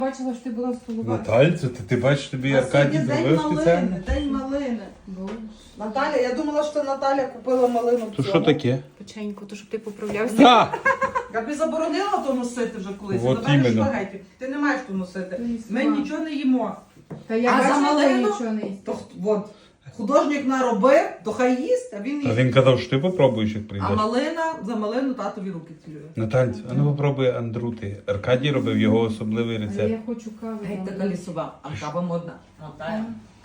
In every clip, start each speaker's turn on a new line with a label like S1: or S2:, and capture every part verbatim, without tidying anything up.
S1: Бачила, що ти була в столоварі.
S2: Натальцю, ти, ти бачиш, тобі
S3: А
S2: Аркадій
S3: сьогодні
S2: зробив
S3: день
S2: спеціально?
S3: малини, день малини.
S1: Боже.
S3: Наталя, я думала, що Наталя купила малину. в
S2: То
S3: цьому.
S2: що таке?
S1: Печеньку, то щоб ти поправлявся.
S2: Так!
S3: Я б заборонила то носити вже колись.
S2: От
S3: Наталя
S2: іменно.
S3: шпагеті. Ти не маєш то носити.
S1: Ти не
S3: Ми
S1: сама.
S3: нічого не їмо.
S1: Та я
S3: А
S1: бачила,
S3: за
S1: що
S3: малину?
S1: нічого не їсть.
S3: То х- от, художник наробив, то хай їсть, а він
S2: А
S3: їсть.
S2: він казав, що ти попробуєш, як
S3: А
S2: прийдеш.
S3: малина, за малину татові руки цілює.
S2: Натальцю, а ну попробуй андрути. Аркадій робив його особливий
S1: Але
S2: рецепт.
S1: я хочу кави.
S3: Геть така лісова, а кава модна. Наталя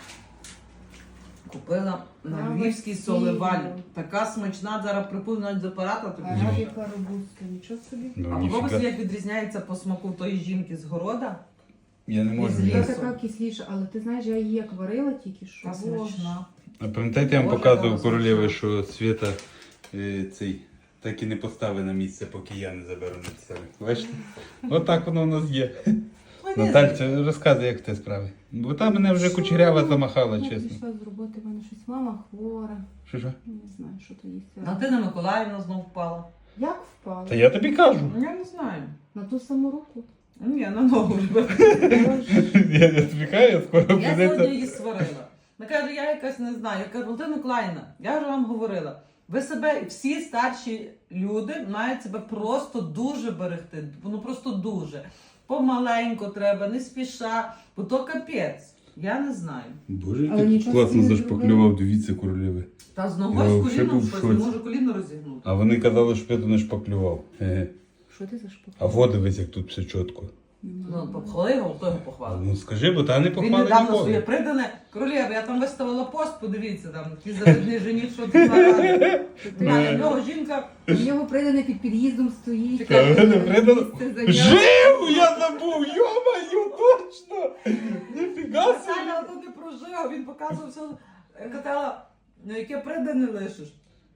S3: купила на
S1: Кава
S3: львівській
S1: сіра.
S3: соливалі. Така смачна, зараз припив навіть з апарата. тобі.
S1: Арабіка робуста, нічого собі.
S2: Ну,
S3: А попробуй,
S2: ніфіга.
S3: як відрізняється по смаку тої жінки з города.
S2: Я не можу.
S3: Із
S1: Вона
S2: Я...
S3: лісу.
S1: така кисліша, але ти знаєш, я її як варила тільки що.
S3: Та
S1: Боже.
S3: смачна.
S2: А пам'ятаєте, я вам
S3: Боже,
S2: показував
S3: яка
S2: королеви,
S3: смачна.
S2: що Свята е, цей так і не поставив на місце, поки я не заберу на себе. Бачите? Отак воно у нас є. Натальця, розказуй, як ти справи. Бо там мене вже кучерява замахала,
S1: Я
S2: чесно.
S1: прийшла з роботи, в мене щось мама хвора.
S2: Що що?
S1: Не знаю, що то їсть.
S3: Антина Миколаївна знов впала.
S1: Як впала?
S2: Та я тобі кажу.
S3: Я не знаю.
S1: На ту саму руку.
S3: Ні, на ногу вже.
S1: Боже.
S2: Я, я тобі кажу, я скоро
S3: Я сьогодні
S2: прийдеться.
S3: її сварила. Вона каже, я якась не знаю. Я кажу, Антина Миколаївна, я вже вам говорила. Ви себе, всі старші люди мають себе просто дуже берегти. Ну просто дуже. Помаленько треба, не спіша, бо то капець. Я не знаю.
S2: Боже,
S1: Але
S2: ти
S1: нічого
S2: класно
S1: собі не
S2: зашпаклював, дивіться, королеви.
S3: Та з
S2: Я
S3: ногою з
S2: взагалі
S3: коліном
S2: був в
S3: щось, не
S2: шоці.
S3: можу коліно розігнути.
S2: А вони казали, що я то не шпаклював. Еге.
S1: Що ти за шпак?
S2: А во дивись, як тут все чітко.
S3: Ну, похвали його, хто його похвалив.
S2: Ну скажи, бо та не
S3: Він
S2: похвали
S3: недавно своє
S2: ніколи.
S3: придане. Королєва, я там виставила пост, подивіться, там ті завидний жених, що тут нарадив. А на нього жінка.
S1: У нього придане під під'їздом стоїть.
S3: Чекай,
S2: Та не придано.
S1: Місце зайняв.
S2: Жив! Я забув! Йо-маю, точно! Ніфіга собі!
S3: Наталя ото не прожив, він показував все. Я казала, ну яке придане лишиш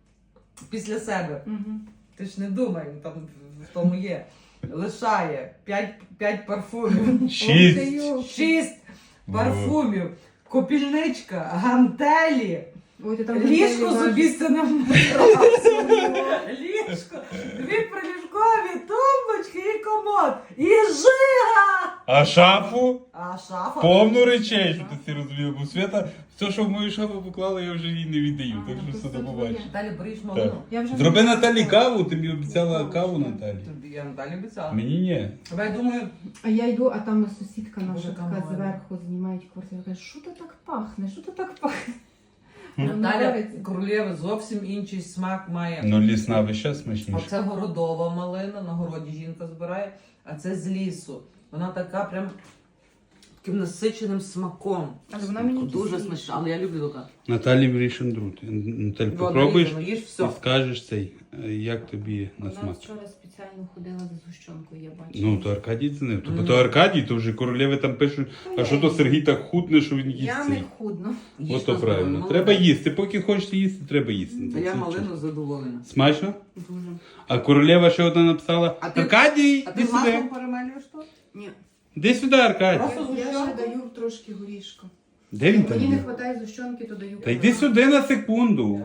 S3: після себе.
S1: Мгм.
S3: Ти ж не думай, там в тому є. Лишає п'ять, п'ять парфумів.
S2: Шість!
S3: Шість парфумів, копільничка, гантелі,
S1: Ой, ти там
S3: ліжко
S1: гантелі
S3: з
S1: важиш.
S3: обіцяним матрасом, ліжко, дві приліжкові тумбочки і комод, і жига!
S2: А шафу?
S3: А шафа?
S2: Повну речей, що ти всі розумів. Бо Свята, все, що в мою шафу поклала, я вже їй не віддаю.
S1: А,
S2: Так
S1: ну,
S2: що
S1: то
S2: все
S1: це
S2: до побачиш.
S1: твоє.
S3: Далі береш малину.
S1: Я вже
S2: Зроби
S1: не
S2: Наталі
S1: знаю.
S2: каву, тобі обіцяла каву Наталі.
S3: Тобі я Наталі обіцяла.
S2: Мені ні.
S3: Давай, я думаю,
S1: А я йду, а там сусідка наша
S3: Боже,
S1: така
S3: камала.
S1: зверху знімають квартиру. Каже, що то так пахне? Що то так пахне?
S3: Наталя
S1: Нравиться.
S3: Королєва зовсім інший смак має.
S2: Ну лісна вища смачніша.
S3: Оце городова малина, на городі жінка збирає, а це з лісу. Вона така прям таким насиченим смаком.
S1: Але вона мені
S3: Дуже
S1: кисліша.
S3: смачна, але я люблю така.
S2: Наталі мрієш андрути. Наталь,
S3: Воно
S2: попробуєш
S3: їж, їж
S2: і
S3: все.
S2: скажеш цей, е, як тобі на
S1: Вона
S2: смак.
S1: вчора спеціально ходила за згущенкою, я бачила.
S2: Ну, то Аркадій дзвонив. То,
S3: Мгм.
S2: то Аркадій, то вже королеви там пишуть, а що то Сергій так худне, що він їсть
S1: Я
S2: цей.
S1: не худно.
S3: Їж
S2: Ото
S3: на
S2: правильно.
S3: здоров'я.
S2: Треба їсти. Поки хочете їсти, треба їсти.
S3: Та
S2: Це
S3: я
S2: чесно.
S3: малину задоволена.
S2: Смачно?
S1: Дуже.
S2: А королева ще одна написала:
S3: А ти-
S2: Аркадій,
S3: А
S2: іди
S3: ти
S2: сюди.
S3: маслом перемелюєш то?
S1: Ні.
S2: Іди сюди, Аркадій.
S3: Просто
S1: Я, я ще
S3: згущенку?
S1: даю трошки горішка.
S2: Де він там
S1: Мені не
S2: є?
S1: вистачає згущенки, то даю.
S2: Та йди сюди на секунду.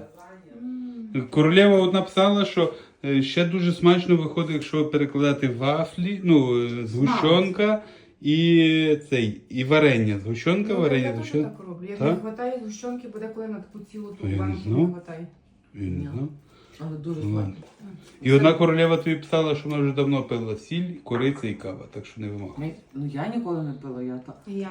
S1: М.
S2: Королева от написала, що е, ще дуже смачно виходить, якщо перекладати вафлі, ну, е, згущенка і цей, і варення. Згущенка,
S1: Ну,
S2: варення,
S1: я теж
S2: згущенка.
S1: так роблю. Як
S2: Так?
S1: не вистачає згущенки, буде коли на таку цілу ту
S2: Я не
S1: банку
S2: знав.
S1: не вистачає.
S2: Я не знав.
S3: Але дуже
S2: Ну, ладно.
S3: смачно.
S2: І одна королева тобі писала, що вона вже давно пила сіль, кориця і кава, так що не вимагай.
S3: Ну я ніколи не пила, я так.
S1: І я